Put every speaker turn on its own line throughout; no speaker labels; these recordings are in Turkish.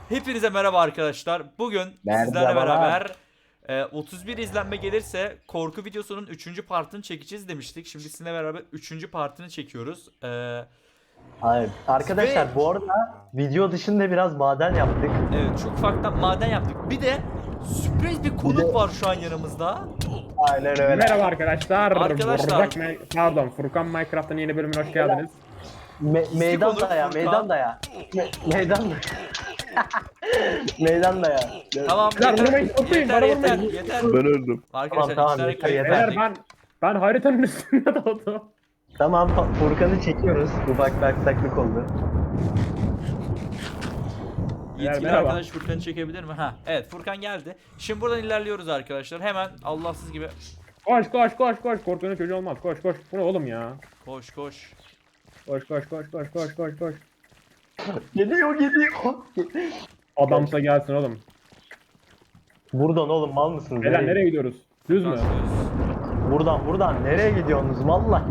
Hepinize merhaba arkadaşlar. Bugün sizlerle beraber 31 izlenme gelirse korku videosunun 3. partını çekeceğiz demiştik. Şimdi sizinle beraber 3. partını çekiyoruz.
Hayır. Arkadaşlar
Ve-
bu arada video dışında biraz maden yaptık.
Evet, çok ufaktan maden yaptık. Bir de sürpriz bir konuk var şu an yanımızda.
Aynen öyle.
Merhaba arkadaşlar.
Arkadaşlar.
Pardon, Furkan Minecraft'ın yeni bölümüne hoş geldiniz.
Meydan
konuk
daya,
Furkan.
meydan daya. Meydan Meydan daya.
Tamam,
Lan
yeter,
vurmayın, vurmayın,
yeter,
bana
yeter,
vurmayın.
yeter.
Ben öldüm.
Arkadaşlar
Tamam,
iki tane
yeter,
kayıp
yeter.
Beyler
verdik.
ben haritanın üstünde doğdum.
Tamam, Furkan'ı çekiyoruz. Ufak bir aksaklık oldu.
Yetkili
Merhaba.
arkadaş Furkan'ı çekebilir mi? Ha, evet, Furkan geldi. Şimdi buradan ilerliyoruz arkadaşlar. Hemen Allahsız gibi.
Koş. Korkunun çocuğu olmaz. Koş. Bu ne oğlum ya?
Koş koş.
Koş.
Geliyor.
Adamsa gelsin oğlum.
Buradan oğlum, mal mısınız?
Beyler nereye gidiyoruz? Düz mü?
Buradan. Nereye gidiyorsunuz mallar?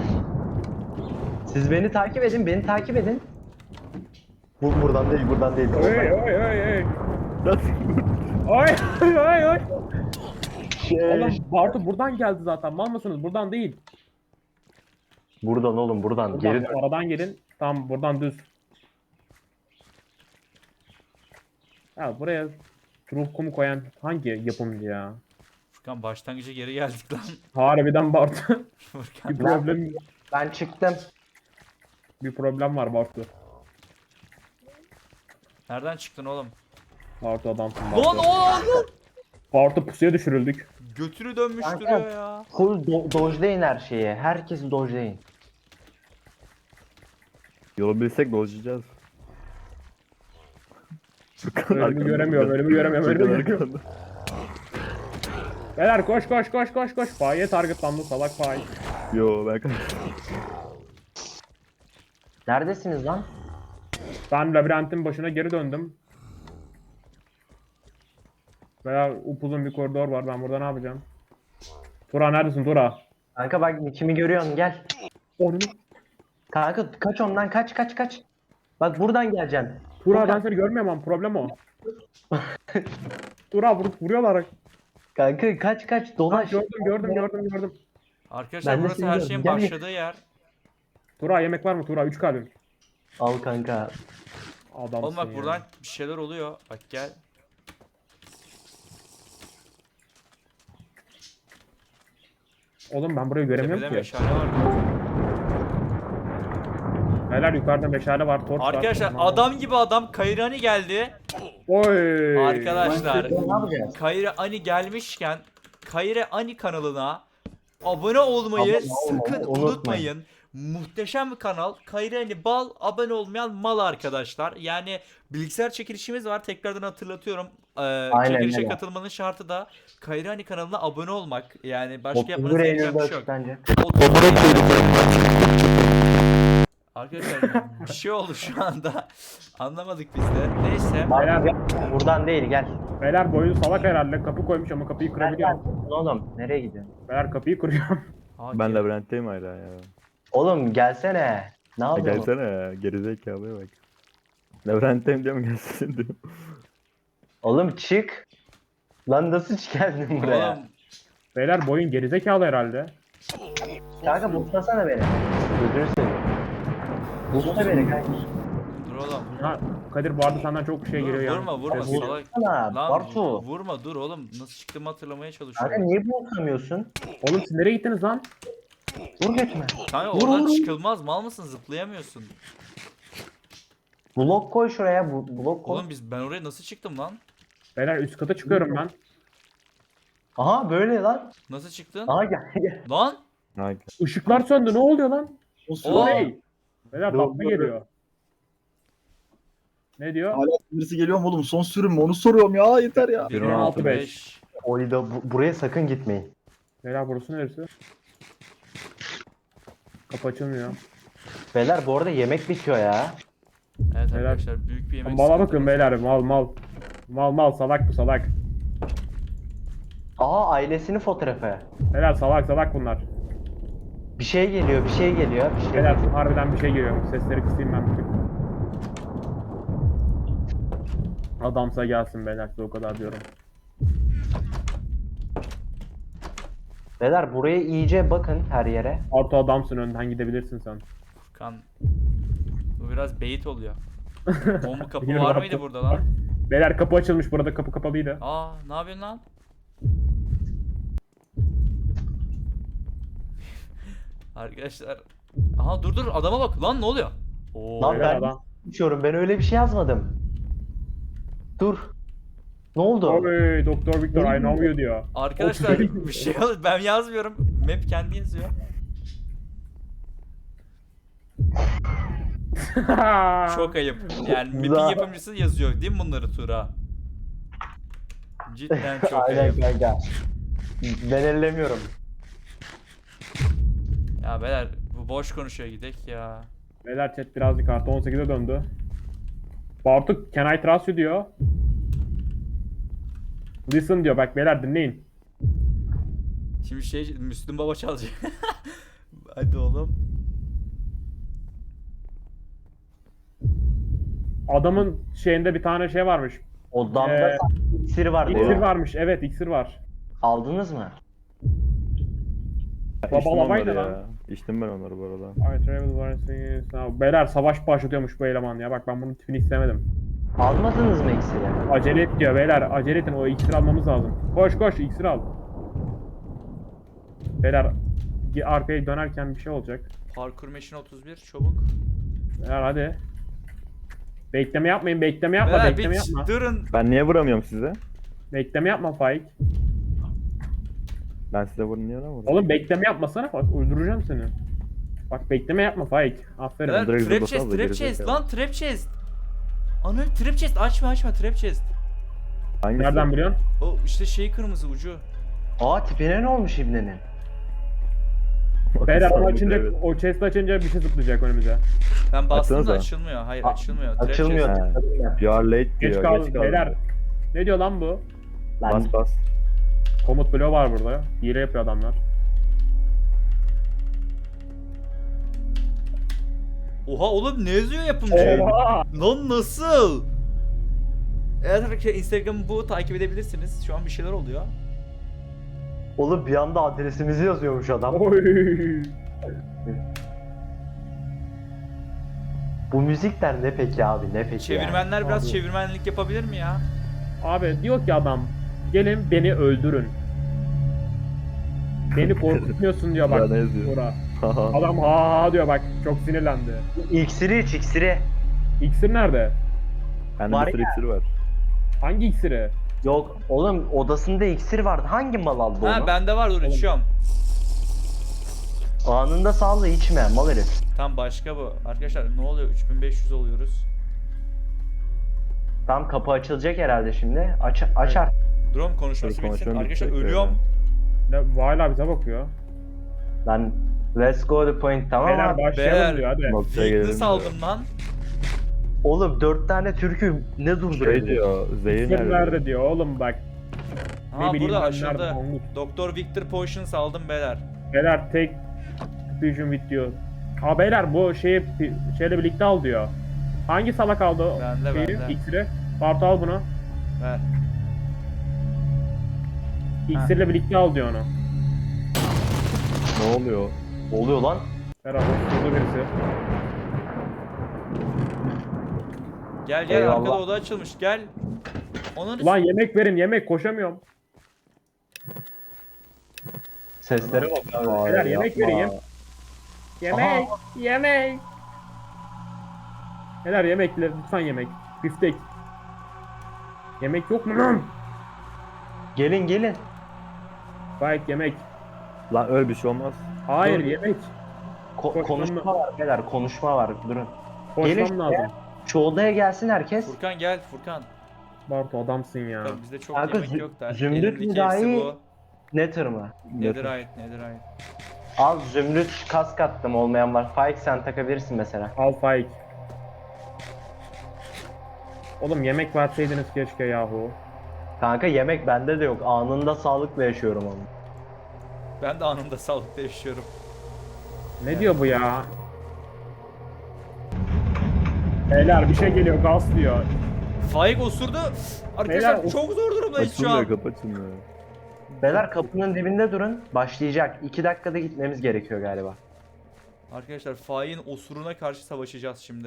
Siz beni takip edin, buradan değil.
Oy. Oy. Oğlum Bartu buradan geldi zaten. Mal mısınız? Buradan değil.
Buradan oğlum, buradan. Geri dön.
Aradan gelin. Tamam, buradan düz. Ya buraya ruh kumu koyan hangi yapımcı ya?
Furkan başlangıca geri geldik lan.
Harbiden Bartu.
Furkan.
Ben çıktım.
Bir problem var Bartu.
Nereden çıktın oğlum?
Bartu adamsın
Lan
Bartu.
oğlum!
Bartu pusuya düşürüldük.
Götünü dönmüş
Kanka.
duruyor ya.
Full dojlayın her şeyi. Herkes dojlayın.
Yolu bilsek dolaşacağız.
Önümü göremiyorum. Beyler koş. Fahiye targetlandı salak fahi.
Yo ben kaç.
Neredesiniz lan?
Ben labirentin başına geri döndüm. Veya upuzun bir koridor var, ben burada ne yapacağım? Tura neredesin Tura?
Kanka bak, kimi görüyorsun, gel.
Onu.
Kanka kaç ondan, kaç. Bak buradan geleceksin.
Tura ben seni görmüyorum ama problem o. Tura vuruyorlar.
Kanka kaç dolaş.
Gördüm.
Arkadaşlar
Ben de
burası
seni
her
gördüm.
şeyin
Gel.
başladığı yer.
Tura yemek var mı Tura? 3 kalbim.
Al kanka.
Adamsın
Oğlum bak
ya.
buradan bir şeyler oluyor. Bak gel.
Oğlum ben burayı göremiyorum
Tepede
ki.
meşale var.
Beyler yukarıda meşale var, torç var.
Arkadaşlar
Tamam.
adam gibi adam Kayrani geldi.
Oy.
Arkadaşlar
Ne yapacağız?
Kayrani gelmişken Kayrani kanalına abone olmayı
Abone olmayı
sakın
unutmayın.
unutmayın. Muhteşem bir kanal. Kayrani bal, abone olmayan mal arkadaşlar. Yani bilgisayar çekilişimiz var. Tekrardan hatırlatıyorum. Çekilişe
öyle.
katılmanın şartı da Kayrani kanalına abone olmak. Yani başka
31
yapmanız gereken
Eylül'de
bir şey yok.
bence.
Arkadaşlar bir şey oldu şu anda. Anlamadık biz de. Neyse.
Beyler,
Buradan değil, gel.
beyler boyun salak herhalde. Kapı koymuş ama kapıyı
Gel
kırabiliyorum.
oğlum, nereye gidiyorsun?
Beyler kapıyı kırıyorum.
Ben labirentteyim hala ya.
Oğlum gelsene. Ne
Ha,
yapıyorsun?
gelsene ya. Gerizekalıya bak. Labirentteyim diyorum gelsin diyorum.
Oğlum çık. Lan nasıl geldin buraya?
Oğlum,
Beyler boyun gerizekalı herhalde.
Kanka buslasana beni. Gözünü seveyim. Busla beni kanka.
dur oğlum.
Ha, Kadir bu arada senden çok şey geliyor ya.
Vurma
Ses-
salak.
Bussana
Lan
Bartu.
vurma dur oğlum. Nasıl çıktığımı hatırlamaya
Kanka
çalışıyorum.
niye buslamıyorsun?
Oğlum siz nereye gittiniz lan?
Vur götüme.
Kanka
Vur,
oradan
vur.
çıkılmaz mal mısın zıplayamıyorsun.
Blok koy şuraya, blok koy.
Oğlum ben oraya nasıl çıktım lan?
Beyler üst kata çıkıyorum ben.
Aha böyle lan.
Nasıl çıktın?
Aha gel.
Lan?
Ha,
Işıklar söndü, ne oluyor lan?
Oo.
Hey! Beyler
Dur,
tatlı
dur.
geliyor. Ne diyor?
Hala birisi geliyor mu oğlum? Son sürüm mü? Onu soruyorum ya. Yeter ya.
1.16.5.
Oyda buraya sakın gitmeyin.
Beyler burası neresi? Kapı açılmıyor.
Beyler bu arada yemek bitiyor ya.
Evet
Beyler.
arkadaşlar büyük bir yemek
Mala bakın
sıkıntımız
beyler,
var.
mal. Mal salak bu salak.
Aa, ailesinin fotoğrafı.
Beyler salak bunlar.
Bir şey geliyor.
Beyler harbiden bir şey geliyor. Sesleri kısayım ben bir tık. Adamsa gelsin beyler, size o kadar diyorum.
Beyler buraya iyice bakın her yere.
Bartu adamsın, önden gidebilirsin sen.
Furkan. Bu biraz bait oluyor. Bomba kapı
Yürü
var
Bartu.
mıydı burada lan?
Beyler kapı açılmış, burada kapı kapalıydı.
Aa, ne yapıyorsun lan? Arkadaşlar. Aha dur adama bak lan, ne oluyor? Oo.
Lan
Beyler
ben
adam.
uçuyorum, ben öyle bir şey yazmadım. Dur. Ne oldu?
Oy Doktor Victor I know you diyor.
Arkadaşlar bir şey ben yazmıyorum. Map kendi yazıyor. Çok ayıp. Yani map'in
Za-
yapımcısı yazıyor değil mi bunları Tura? Cidden çok
Aynen
ayıp.
kanka. Ben ellemiyorum.
Ya beyler bu boş konuşuyor, gidek ya.
Beyler chat birazcık artı 18'e döndü. Bartu can I trust you diyor. Listen diyor, bak beyler dinleyin.
Şimdi Müslüm Baba çalacak. Hadi oğlum.
Adamın şeyinde bir tane şey varmış.
Odamda iksir var
İksir
diyor.
varmış, evet iksir var.
Aldınız mı?
İçtim
Babalamaydı
onları
lan.
ya. İçtim ben onları bu arada.
I travel overseas. Beyler savaş başlatıyormuş bu eleman ya, bak ben bunun tipini istemedim.
Almadınız mı iksiri?
Acele et diyor beyler, acele edin, o iksir almamız lazım. Koş koş iksir al. Beyler arkaya dönerken bir şey olacak.
Parkur Machine 31 çabuk.
Beyler hadi. Bekleme yapmayın, bekleme yapma,
Beyler
bekleme
bir
yapma.
durun.
Ben niye vuramıyorum size?
Bekleme yapma Faik.
Ben size vurun niye vuramıyorum?
Oğlum bekleme yapmasana, bak öldüreceğim seni. Bak bekleme yapma Faik. Aferin.
Beyler
direkt
trap
zıplasana
chest,
da
trap
geri
chest
zekalı.
lan, trap chest. Ana trap chest, açma trap chest.
Hangisi?
Nereden biliyorsun?
O işte şey kırmızı ucu.
Aa tipine ne olmuş ibnenin?
Beyler onu
Sandım,
açınca,
evet.
o chest açınca bir şey zıplayacak önümüze.
Ben bastım da
Açsanıza.
açılmıyor. Hayır açılmıyor. Trap
Açılmıyor.
chest.
He.
tıkladım ben.
You are late
Geç
diyor.
kaldım
Geç kaldım.
beyler. Ne diyor lan bu?
Lan
Bas bas.
Komut bloğu var burada. Hile yapıyor adamlar.
Oha oğlum, ne yazıyor yapımcı?
Oha!
Lan nasıl? Evet arkadaşlar, Instagram'ı bu, takip edebilirsiniz. Şu an bir şeyler oluyor.
oğlum bir anda adresimizi yazıyormuş adam.
Oy!
Bu müzikler ne peki abi, ne peki
Çevirmenler biraz
Abi.
çevirmenlik yapabilir mi ya?
Abi diyor ki adam, gelin beni öldürün. Beni korkutmuyorsun diyor bak.
Ya ne yazıyor?
Bura. Adam ha diyor bak, çok sinirlendi.
yani? İksiri iç, iksiri.
İksir nerede?
Bende
Var
bir sürü
ya.
iksir var.
Hangi iksiri?
Yok oğlum, odasında iksir vardı. Hangi mal aldı
Ha
onu?
bende var, dur içiyorum.
Anında sağla içme mal herif.
Tam başka bu. Arkadaşlar ne oluyor? 3500 oluyoruz.
Tam kapı açılacak herhalde şimdi. Açar.
Drone konuşması
Dur,
bitsin.
konuşalım,
Arkadaşlar
bitecek
ölüyorum.
Ne, hala bize bakıyor.
Lan let's go the point, tamam
Beyler
abi.
başlayalım
Beyler.
diyor hadi.
Noktaya gelelim
Weakness
diyor.
aldım lan.
Oğlum 4 tane türkü ne
Şey
durduruyor?
diyor. Zehir
İksir
nerede?
nerede diyor oğlum bak.
Ha
Ne bileyim
burada
ben nerede
açıldı.
Mahmut.
Doktor Victor Potions aldım beyler.
Beyler tek Fusion with diyor. Ha beyler bu şeyle birlikte al diyor. Hangi salak aldı o
Bende,
şeyi,
bende.
iksiri? Bartu al bunu.
Ver.
İksirle birlikte al diyor onu.
Ne oluyor?
Oluyor lan.
Herhalde burada birisi.
Gel gel,
Eyvallah.
arkada oda açılmış, gel. Onun
Ulan yemek verin, yemek, koşamıyorum.
Seslere bak abi.
Ay,
Beyler yemek
yapma.
vereyim. Yemek, yemek. Beyler yemek, lütfen yemek. Biftek. Yemek yok mu lan?
Gelin gelin.
Bayek yemek.
Lan öyle bir şey olmaz.
Hayır
Dur.
yemek. Koşmam
Konuşma var beyler, konuşma var. Durun.
Koşmam
Gelin
lazım.
Şu odaya gelsin herkes.
Furkan gel Furkan.
Bartu adamsın ya.
Tabii bizde çok
Kanka,
yemek yok da.
zümrüt
Elimdeki
müdahi-
hepsi bu.
Nether mı?
Netherite.
Al zümrüt kask attım, olmayan var. Faik sen takabilirsin mesela.
Al Faik. Oğlum yemek verseydiniz keşke yahu.
Kanka yemek bende de yok. Anında sağlıkla yaşıyorum onu.
Ben de anında sağlıkta yaşıyorum.
Ne diyor bu ya? Beyler bir şey geliyor, gaz diyor.
Faik osurdu. Arkadaşlar
Beyler,
çok zor durumdayız şu
Açılmıyor
an.
kapı açılmıyor.
Beyler kapının dibinde durun. Başlayacak. 2 dakikada gitmemiz gerekiyor galiba.
Arkadaşlar Faik'in osuruna karşı savaşacağız şimdi.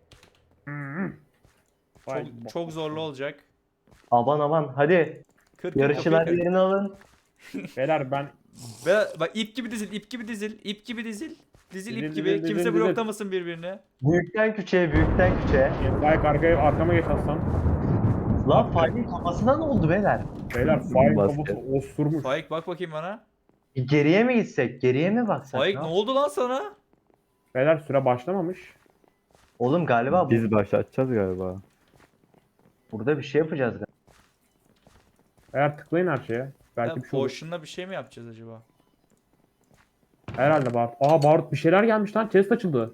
Çok zorlu olacak.
Aman hadi.
Kır,
Yarışçılar
kapıyı kır.
yerini alın.
Beyler ben
Ve bak ip gibi dizil, ip gibi dizil, ip gibi dizil. Dizil ip
Dizil,
gibi.
dizil,
Kimse
dizil,
bloklamasın birbirini.
Büyükten küçüğe, büyükten küçüğe.
Faik arkama geç aslan.
Lan Faik'in kafasına ne oldu beyler?
Beyler Faik
Basket.
kafası osurmuş.
Faik bak bakayım bana.
Geriye mi gitsek? Geriye mi baksak?
Faik
ya?
ne oldu lan sana?
Beyler süre başlamamış.
Oğlum galiba
Biz başlatacağız galiba.
burada bir şey yapacağız galiba.
Eğer tıklayın her şeye. Belki
Ya,
bir şey olur.
Potion'la bir şey mi yapacağız acaba?
Herhalde Barut. Aa Barut bir şeyler gelmiş lan. Chest açıldı.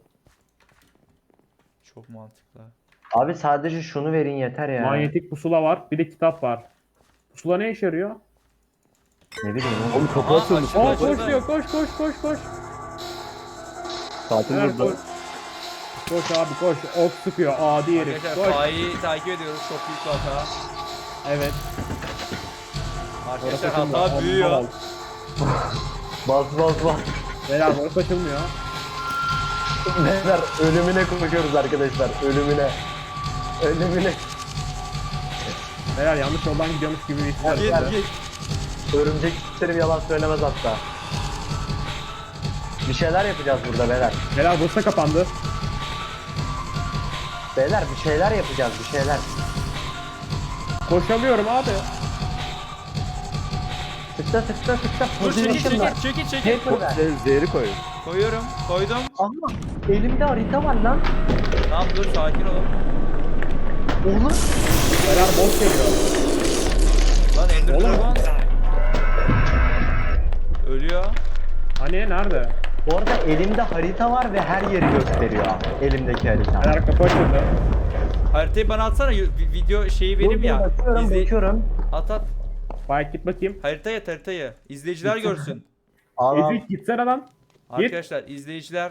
Çok mantıklı.
Abi sadece şunu verin yeter ya.
Manyetik pusula var. Bir de kitap var. Pusula ne işe yarıyor?
Ne bileyim oğlum.
Oğlum kapı
Aa,
açıldı.
açıldı.
Aa
Açıldı.
koş diyor. Koş.
Tatil
Beyler,
burada.
koş. Koş abi koş. Ok sıkıyor. Adi herif.
Arkadaşlar
Koş.
Faik'i takip ediyoruz. Çok büyük bir hata.
Evet.
Arkadaşlar
Orası
hata
açılmıyor.
büyüyor.
Al.
Bas.
Beyler burası açılmıyor.
Beyler ölümüne koşuyoruz arkadaşlar. Ölümüne.
Beyler yanlış yoldan gidiyormuş gibi bir his var.
Git.
Örümcek isterim yalan söylemez hatta. Bir şeyler yapacağız burada beyler.
Beyler burası da kapandı.
Beyler bir şeyler yapacağız bir şeyler.
Koşamıyorum abi.
Tıkla.
Dur çekil
Position var.
çekil.
Paper ver.
Zehri koy.
Koyuyorum. Koydum.
Ama elimde harita var lan.
Tamam dur sakin olun.
Oğlum.
Beyler boss geliyor.
Lan Ender
Oğlum.
Dragon. Ölüyor.
Hani nerede?
Bu arada elimde harita var ve her yeri gösteriyor. Elimdeki harita.
Beyler kapı açıldı.
Haritayı bana atsana. Video şeyi benim ya.
Bakıyorum.
At.
Faik git bakayım.
Haritayı. İzleyiciler görsün.
Allah.
Ezik gitsene lan.
Arkadaşlar izleyiciler.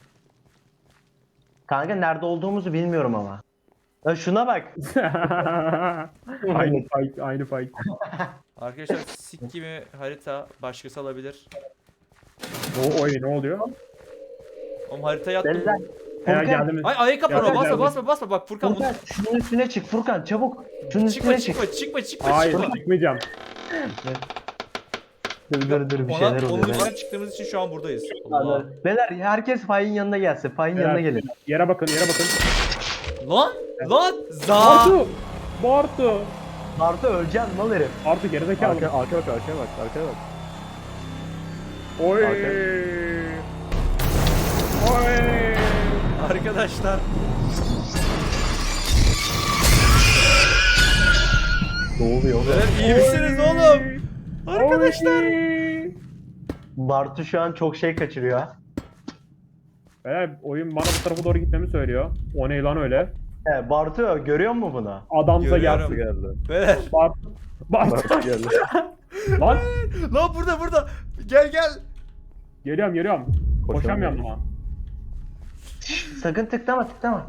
Kanka nerede olduğumuzu bilmiyorum ama. Ya şuna bak.
Aynı Faik.
Arkadaşlar sik gibi harita başkası alabilir.
Oy ne oluyor?
Oğlum haritayı attım.
Beyler.
Eğer
Furkan,
geldi mi?
Ay ayağa kapana
Geldim.
basma bak Furkan
Furkan şunun üstüne çık Furkan çabuk. Şunun üstüne
çıkma
çık.
çıkma.
Hayır çıkmayacağım.
Dur bir şeyler
Onun
oluyor.
üstüne çıktığımız için şu an buradayız. Allah.
Beyler herkes Faik'in yanına gelsin. Faik'in yanına gelin.
Yere bakın.
Lan za.
Bartu.
Bartu öleceksin mal herif.
Bartu gerizekalı.
Arkaya bak.
Oy. Oy.
Arkadaşlar
Ne oluyor oğlum?
iyi misiniz oğlum? Arkadaşlar.
Oy.
Bartu şu an çok şey kaçırıyor.
Beyler oyun bana bu tarafa doğru gitmemi söylüyor. O ne lan öyle?
Bartu görüyor musun bunu?
Adamsa
Görüyorum.
gelsin.
Geldi.
Beyler.
Bartu.
Bak geldi.
Lan.
Lan burada. Gel.
Geliyorum. Koşamıyorum ama.
Sakın tıklama.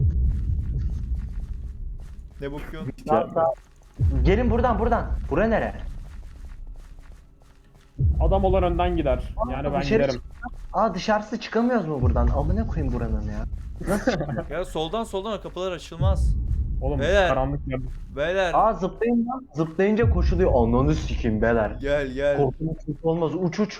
Ne bakıyorsun?
Sağ. Gelin buradan. Bura nere?
Adam olan önden gider. Yani ben
Dışarı
giderim.
dışarısı çıkamıyoruz mu buradan? Amına koyayım buranın ya. Nasıl çıkıyor?
Ya soldan o kapılar açılmaz.
Oğlum
Beyler.
karanlık yer.
Beyler.
Zıplayın lan. Zıplayınca koşuluyor. Ananı sikeyim beyler.
Gel.
Korkunç olmaz. Uç.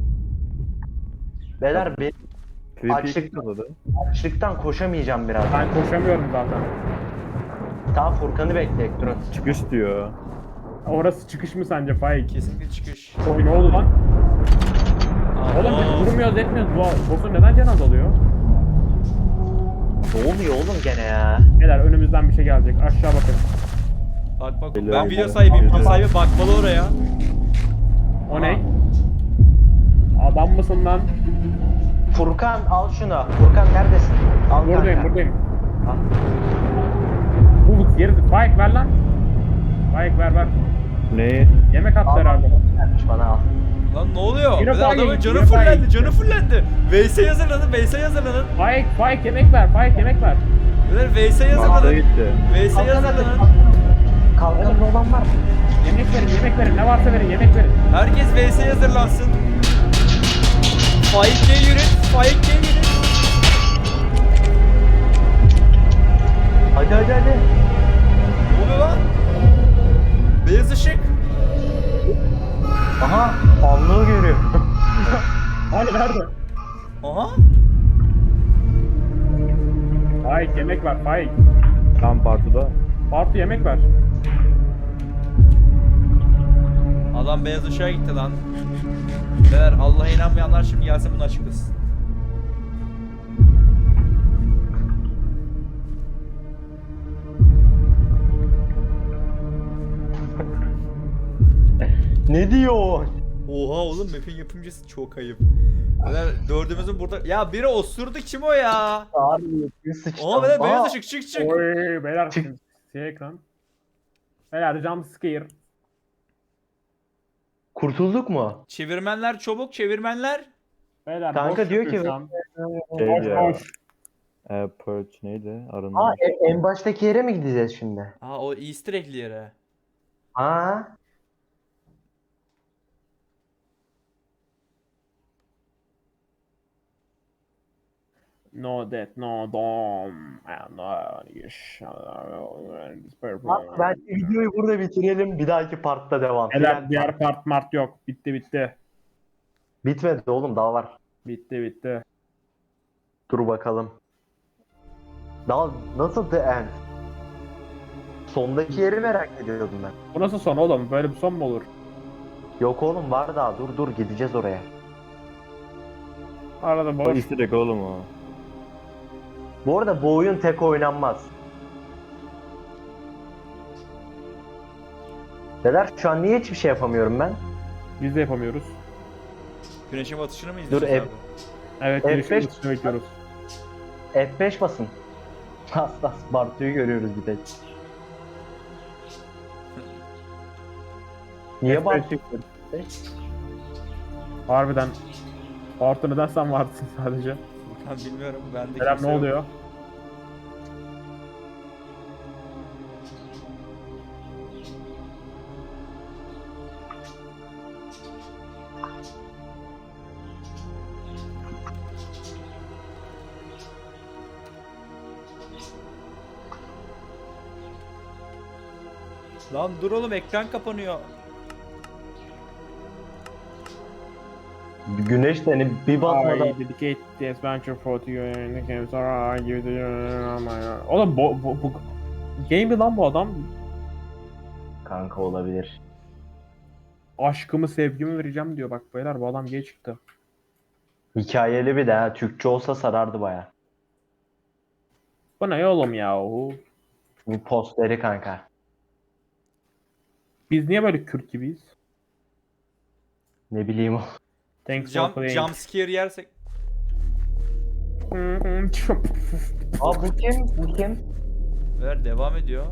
Beyler ben
Creepy oldu.
açlıktan koşamayacağım biraz.
Ben koşamıyorum zaten.
Daha Furkan'ı bekleyek durun.
Çıkış diyor.
Orası çıkış mı sence Faik?
Kesinlikle çıkış.
Oy ne oldu lan? Oğlum
Aa,
biz vurmuyoruz etmiyoruz. Bu boss'un neden can azalıyor?
Ne oluyor oğlum gene ya?
Beyler önümüzden bir şey gelecek. Aşağı bakın.
Bak
Geliyor.
ben video sahibiyim. Video sahibi bakmalı oraya.
O ne? Adam mısın lan?
Furkan al şunu. Furkan neredesin? Al
Buradayım.
Al.
Bulut geri. Faik ver lan. Faik ver.
Ne?
Yemek attı herhalde.
Vermiş bana al.
Lan ne oluyor?
Yine
Bir de
Faik,
adamın canı
yine
fullendi.
Faik.
Canı fullendi. Veysel hazırlanın.
Faik yemek ver.
Beyler VS'ye
Mağara
hazırlanın.
gitti.
VS'ye hazırlanın.
Kalkanlı olan var mı?
Yemek verin, yemek verin. Ne varsa verin, yemek verin.
Herkes VS'ye hazırlansın. Faik G yürü. Faik G yürü.
Hadi hadi hadi.
Ne oluyor lan? Beyaz ışık.
Aha allığı görüyor.
Hadi nerede?
Aha.
Faik yemek ver, Faik.
Tam partıda.
Bartu yemek ver.
Adam beyaz ışığa gitti lan. Beyler Allah'a inanmayanlar şimdi gelsin bunu açıklasın.
Ne diyor?
Oha oğlum map'in yapımcısı çok ayıp. Beyler dördümüzün burada... Ya biri osurdu, kim o ya?
Abi bir sıçtım.
Oha beyler beyaz
Aa,
ışık, çık.
Oy beyler
Çık.
şey ekran. Beyler jump scare.
Kurtulduk mu?
Çevirmenler çabuk, çevirmenler.
Beyler
Kanka
boş
diyor ki-
yapıyor şu an.
Şey
Boş
ya.
boş.
Perch neydi? Arınma.
Aa en baştaki yere mi gideceğiz şimdi?
Aa o easter egg'li yere.
Ha?
No death, no dom. And
Bak ben videoyu burada bitirelim. Bir dahaki partta devam.
Beyler
Final
diğer
part.
part mart yok. Bitti.
Bitmedi oğlum daha var.
Bitti.
Dur bakalım. Daha nasıl the end? Sondaki yeri merak ediyordum ben.
Bu nasıl son oğlum? Böyle bir son mu olur?
Yok oğlum var daha. Dur gideceğiz oraya.
Arada
O
boş.
istirek oğlum o.
Bu arada bu oyun tek oynanmaz. Neler şu an niye hiçbir şey yapamıyorum ben?
Biz de yapamıyoruz.
Güneşin batışını mı
Dur,
izleyeceğiz abi?
Evet,
F5
gelişmeyi bekliyoruz.
F5 basın. Hassas Bartu'yu görüyoruz bir tek. Niye
F5
Bartu?
Harbiden. Bartu neden sen varsın sadece?
Ben bilmiyorum. Bende
Selam
kimse
ne
yok.
oluyor?
Lan dur oğlum, ekran kapanıyor.
Güneş seni bir batmadan.
I dedicate this venture for you and the games are I give to you. Oğlum bu game mi lan bu adam?
Kanka olabilir.
Aşkımı sevgimi vereceğim diyor, bak beyler bu adam gay çıktı.
Hikayeli bir de ha. Türkçe olsa sarardı baya.
Bu ne oğlum ya?
Bu posteri kanka.
Biz niye böyle Kürt gibiyiz?
Ne bileyim o.
Thanks for playing.
Jump scare yersek.
Aa bu kim? Bu kim?
Ver devam ediyor.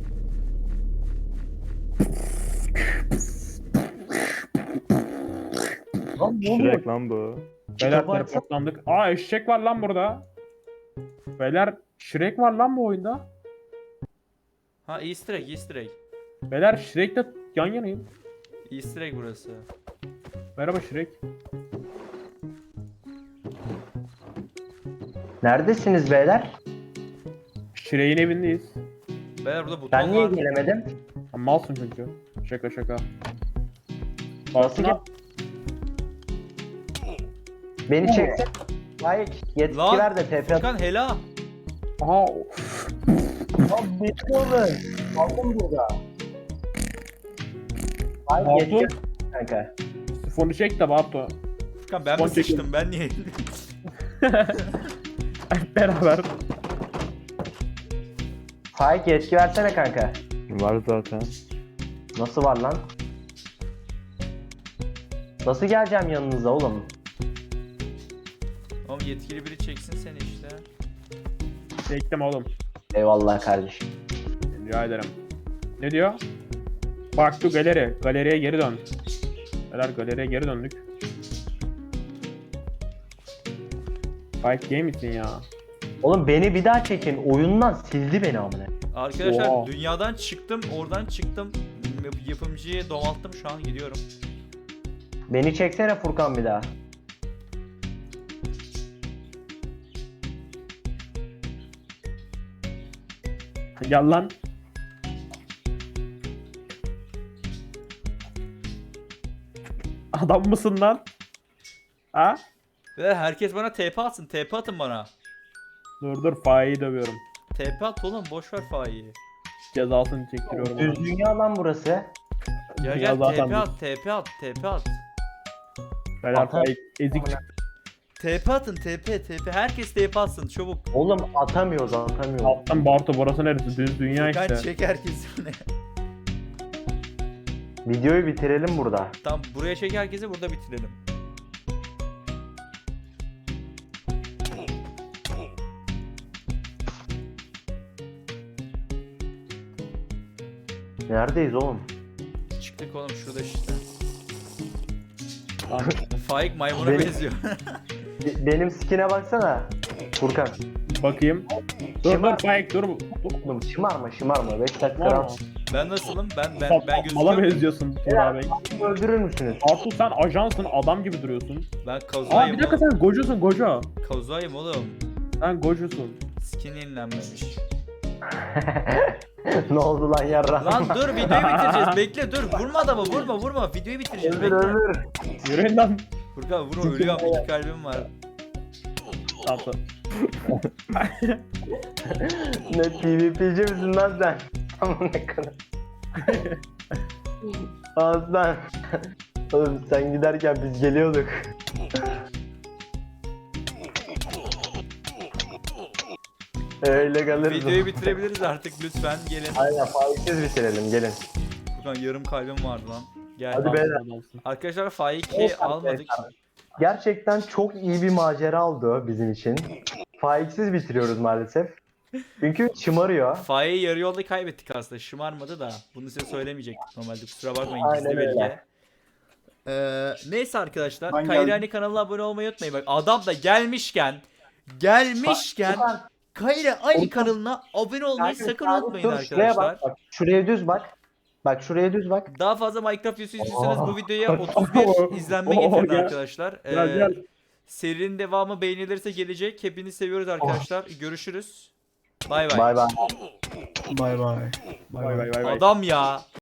Lan ne oluyor?
Shrek lan bu.
Beyler
Kitabı açsana.
teleportlandık. Aa eşek var lan burada. Beyler Shrek var lan bu oyunda.
Ha easter egg, easter egg.
Beyler Shrek'le yan yanayım.
Easter egg burası.
Merhaba Shrek.
Neredesiniz beyler?
Shrek'in evindeyiz.
Beyler burada buton
Ben niye
var.
gelemedim?
Ha, malsın çünkü. Şaka.
Nasıl
Bartuna-
Beni çeksin. Hayır yetki
Lan,
ver de TP.
Furkan hela.
Aha
Lan bekliyorum. Aldım burada. Hayır
Aldım.
yetki kanka.
sifonu çek de Bartu.
Furkan ben mi
Son çekim.
sıçtım, ben niye?
Beraber.
Faik yetki versene kanka.
Var zaten.
Nasıl var lan? Nasıl geleceğim yanınıza oğlum?
Oğlum yetkili biri çeksin seni işte.
Çektim oğlum.
Eyvallah kardeşim.
Rica ederim. Ne diyor? Back to galeri. Galeriye geri dön. Beyler galeriye geri döndük. Fight game misin ya?
Oğlum beni bir daha çekin. Oyundan sildi beni amına.
Arkadaşlar
Oha.
dünyadan çıktım, oradan çıktım. Yapımcıyı domalttım, şu an gidiyorum.
Beni çeksene Furkan bir daha.
Gel lan. Adam mısın lan? Ha?
Ve herkes bana TP atsın, TP atın bana.
Dur Faik'i dövüyorum.
TP at oğlum, boş ver Faik'i.
Cezasını çektiriyorum.
Düz
ona.
dünya lan burası.
Gel
Ya
gel
zaten
TP at, TP at, TP at.
Beyler
Atar.
Faik ezik.
TP atın, TP. Herkes TP atsın çabuk.
Oğlum atamıyoruz.
Alttan Bartu burası neresi? Düz dünya
Ben
işte.
çek herkesi.
Videoyu bitirelim burada.
Tamam, buraya çek herkesi, burada bitirelim.
Neredeyiz oğlum?
Çıktık oğlum, şurada işte.
Lan,
Faik maymuna
Benim-
benziyor.
Benim skine baksana. Furkan.
bakayım. Dur Faik dur. Dur.
Oğlum şımarma. 5 dakika
Var mı?
rahat.
Ben nasılım? Ben
Mala
gözüküyorum.
benziyorsun Tuğra Bey.
Öldürür müsünüz?
Bartu sen ajansın adam gibi duruyorsun.
Ben
Aa
kazuayım
bir dakika
oğlum.
sen gocusun goca.
Kazuayım oğlum.
Sen gocusun.
Skin yenilenmemiş.
Ne oldu lan yarra?
Lan dur, videoyu bitireceğiz. Bekle dur. Vurma adamı, vurma. Videoyu bitireceğiz.
Öldür
Bekle.
öldür.
Yürüyün lan.
Furkan vur, ölüyorum. 2 kalbim var.
Bartu.
Ne PvP'ci misin lan sen? Aman ne kadar. Aslan. Oğlum sen giderken biz geliyorduk. Öyle kalırız.
Videoyu bitirebiliriz artık, lütfen gelin.
Aynen faizsiz bitirelim gelin.
Furkan yarım kalbim vardı lan. Gel.
Hadi beyler.
Arkadaşlar Faik'i almadık.
Gerçekten çok iyi bir macera oldu bizim için. Faizsiz bitiriyoruz maalesef. Çünkü şımarıyor.
Faik'i yarı yolda kaybettik aslında. Şımarmadı da. Bunu size söylemeyecektik normalde. Kusura bakmayın,
Aynen
gizli
öyle.
belge. Neyse arkadaşlar.
Ben
Kayrani kanalına abone olmayı unutmayın. Bak adam da gelmişken Kayra aynı kanalına abone olmayı sakın unutmayın
Dur, şuraya
arkadaşlar.
bak. Şuraya düz bak. Bak şuraya düz bak.
Daha fazla Minecraft videosu istiyorsanız bu videoya
Oh.
31 izlenme getirin
Gel.
arkadaşlar.
Gel.
Serinin devamı beğenilirse gelecek. Hepinizi seviyoruz arkadaşlar. Görüşürüz. Bay bay.
Bay bay.
Bay bay.
Vay vay vay vay.
Adam ya.